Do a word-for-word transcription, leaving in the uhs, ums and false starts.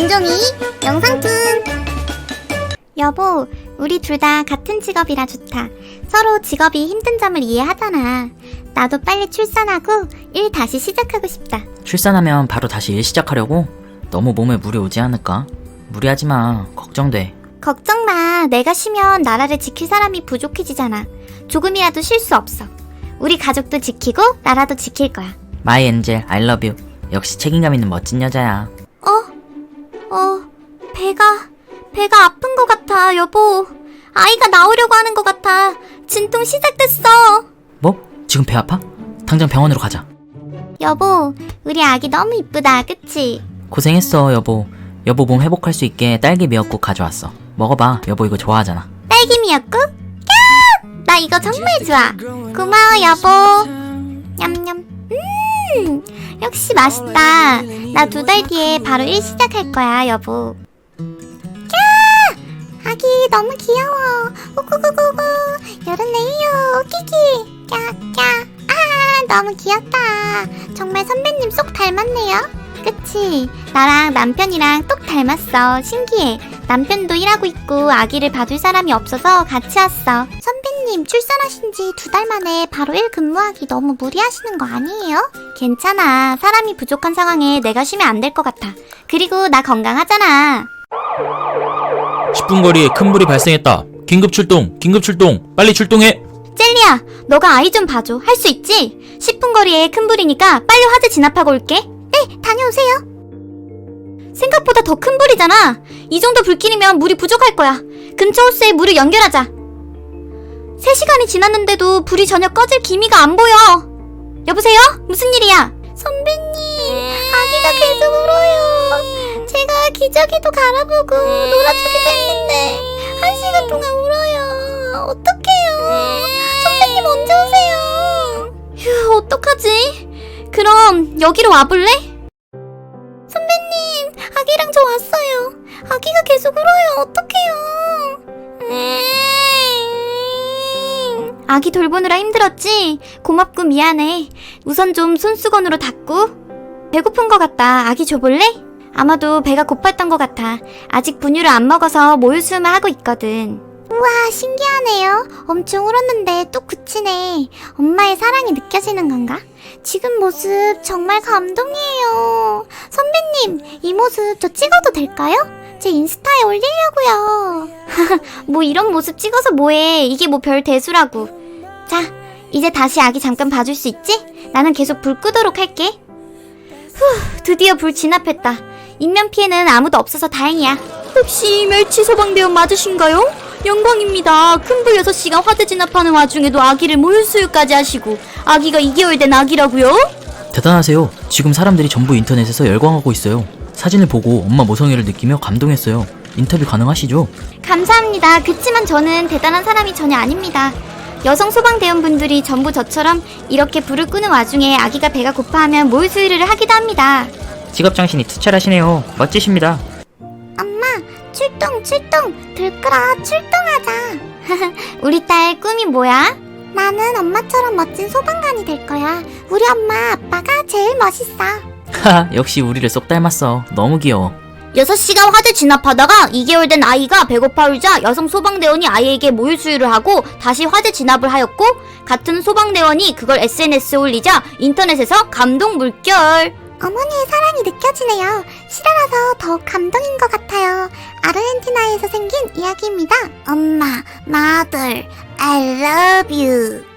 김종이 영상툰. 여보, 우리 둘 다 같은 직업이라 좋다. 서로 직업이 힘든 점을 이해하잖아. 나도 빨리 출산하고 일 다시 시작하고 싶다. 출산하면 바로 다시 일 시작하려고? 너무 몸에 무리 오지 않을까? 무리하지 마. 걱정돼. 걱정 마. 내가 쉬면 나라를 지킬 사람이 부족해지잖아. 조금이라도 쉴 수 없어. 우리 가족도 지키고 나라도 지킬 거야. 마이 엔젤, I love you. 역시 책임감 있는 멋진 여자야. 어? 어, 배가, 배가 아픈 것 같아, 여보. 아이가 나오려고 하는 것 같아. 진통 시작됐어. 뭐? 지금 배 아파? 당장 병원으로 가자. 여보, 우리 아기 너무 이쁘다, 그치? 고생했어, 여보. 여보 몸 회복할 수 있게 딸기 미역국 가져왔어. 먹어봐. 여보 이거 좋아하잖아. 딸기 미역국? 야! 나 이거 정말 좋아. 고마워, 여보. 냠냠. 음, 역시 맛있다. 나 두 달 뒤에 바로 일 시작할 거야, 여보. 야! 아기 너무 귀여워. 오구구구구. 열었네요. 끼기. 까까. 아, 너무 귀엽다. 정말 선배님 쏙 닮았네요. 그치? 나랑 남편이랑 똑 닮았어. 신기해. 남편도 일하고 있고 아기를 봐줄 사람이 없어서 같이 왔어. 선배님 출산하신 지 두 달 만에 바로 일 근무하기 너무 무리하시는 거 아니에요? 괜찮아. 사람이 부족한 상황에 내가 쉬면 안 될 것 같아. 그리고 나 건강하잖아. 십 분 거리에 큰 불이 발생했다. 긴급 출동, 긴급 출동, 빨리 출동해. 젤리야, 너가 아이 좀 봐줘. 할 수 있지? 십 분 거리에 큰 불이니까 빨리 화재 진압하고 올게. 네, 다녀오세요. 생각보다 더 큰 불이잖아. 이 정도 불길이면 물이 부족할 거야. 근처 호스에 물을 연결하자. 세 시간이 지났는데도 불이 전혀 꺼질 기미가 안 보여. 여보세요? 무슨 일이야? 선배님, 아기가 계속 울어요. 제가 기저귀도 갈아보고 놀아주기도 했는데 한 시간 동안 울어요. 어떡해요? 선배님 언제 오세요? 휴, 어떡하지? 그럼 여기로 와볼래? 선배님, 아기랑 저 왔어요. 아기가 계속 울어요. 어떡해요? 아기 돌보느라 힘들었지? 고맙고 미안해. 우선 좀 손수건으로 닦고. 배고픈 것 같다. 아기 줘볼래? 아마도 배가 고팠던 것 같아. 아직 분유를 안 먹어서 모유수유만 하고 있거든. 우와, 신기하네요. 엄청 울었는데 또 그치네. 엄마의 사랑이 느껴지는 건가? 지금 모습 정말 감동이에요. 선배님, 이 모습 저 찍어도 될까요? 제 인스타에 올리려고요. 뭐 이런 모습 찍어서 뭐해. 이게 뭐 별 대수라고. 자, 이제 다시 아기 잠깐 봐줄 수 있지? 나는 계속 불 끄도록 할게. 후, 드디어 불 진압했다. 인명피해는 아무도 없어서 다행이야. 혹시 멸치 소방대원 맞으신가요? 영광입니다. 큰불 여섯 시간 화재 진압하는 와중에도 아기를 모유수유까지 하시고 아기가 이 개월 된 아기라고요? 대단하세요. 지금 사람들이 전부 인터넷에서 열광하고 있어요. 사진을 보고 엄마 모성애를 느끼며 감동했어요. 인터뷰 가능하시죠? 감사합니다. 그치만 저는 대단한 사람이 전혀 아닙니다. 여성 소방대원분들이 전부 저처럼 이렇게 불을 끄는 와중에 아기가 배가 고파하면 모유수유를 하기도 합니다. 직업정신이 투철하시네요. 멋지십니다. 엄마, 출동 출동. 들끓어 출동하자. 우리 딸 꿈이 뭐야? 나는 엄마처럼 멋진 소방관이 될 거야. 우리 엄마 아빠가 제일 멋있어. 하하, 역시 우리를 쏙 닮았어. 너무 귀여워. 여섯 시간 화재 진압하다가 이 개월 된 아이가 배고파 울자 여성 소방대원이 아이에게 모유수유를 하고 다시 화재 진압을 하였고 같은 소방대원이 그걸 에스엔에스에 올리자 인터넷에서 감동 물결. 어머니의 사랑이 느껴지네요. 실화라서 더욱 감동인 것 같아요. 아르헨티나에서 생긴 이야기입니다. 엄마, 마들, I love you.